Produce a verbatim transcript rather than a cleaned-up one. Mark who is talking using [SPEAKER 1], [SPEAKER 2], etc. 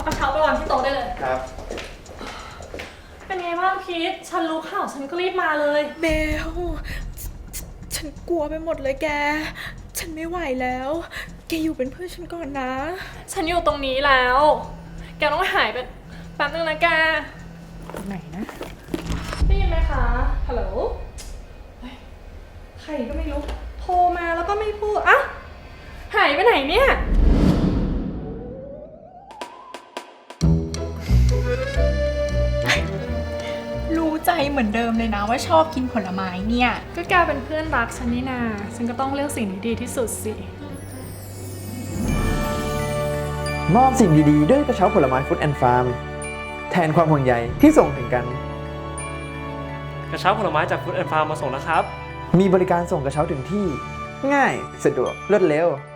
[SPEAKER 1] กระเช้าไปวางที่โต๊ะได้เลย
[SPEAKER 2] ครับ
[SPEAKER 1] เป็นไงบ้างพีทฉันรู้ข่าวฉันก็รีบมาเลย
[SPEAKER 3] เบลฉันกลัวไปหมดเลยแก ฉันไม่ไหวแล้ว แกอยู่เป็นเพื่อนฉันก่อนนะ
[SPEAKER 1] ฉันอยู่ตรงนี้แล้ว แกต้องหายไปแป๊บนึงนะแก
[SPEAKER 3] ไหนนะ
[SPEAKER 1] ได้ยินไหมคะ ฮัลโหลเฮ้ยใครก็ไม่รู้ โทรมาแล้วก็ไม่พูดอะหายไปไหนเนี่ย
[SPEAKER 3] รู้ใจเหมือนเดิมเลยนะว่าชอบกินผลไม้เนี่ย
[SPEAKER 1] ก็แกเป็นเพื่อนรักฉันนี่นา ฉันก็ต้องเลือกสิ่งที่ดีที่สุดสิ
[SPEAKER 2] มอบสิ่งดีๆด้วยกระเช้าผลไม้ฟู้ดแอนด์ฟาร์มแทนความห่วงใยที่ส่งถึงกัน
[SPEAKER 4] กระเช้าผลไม้จากฟู้ดแอนด์ฟาร์มมาส่งแล้วครับ
[SPEAKER 2] มีบริการส่งกระเช้าถึงที่ ง่าย สะดวก รวดเร็ว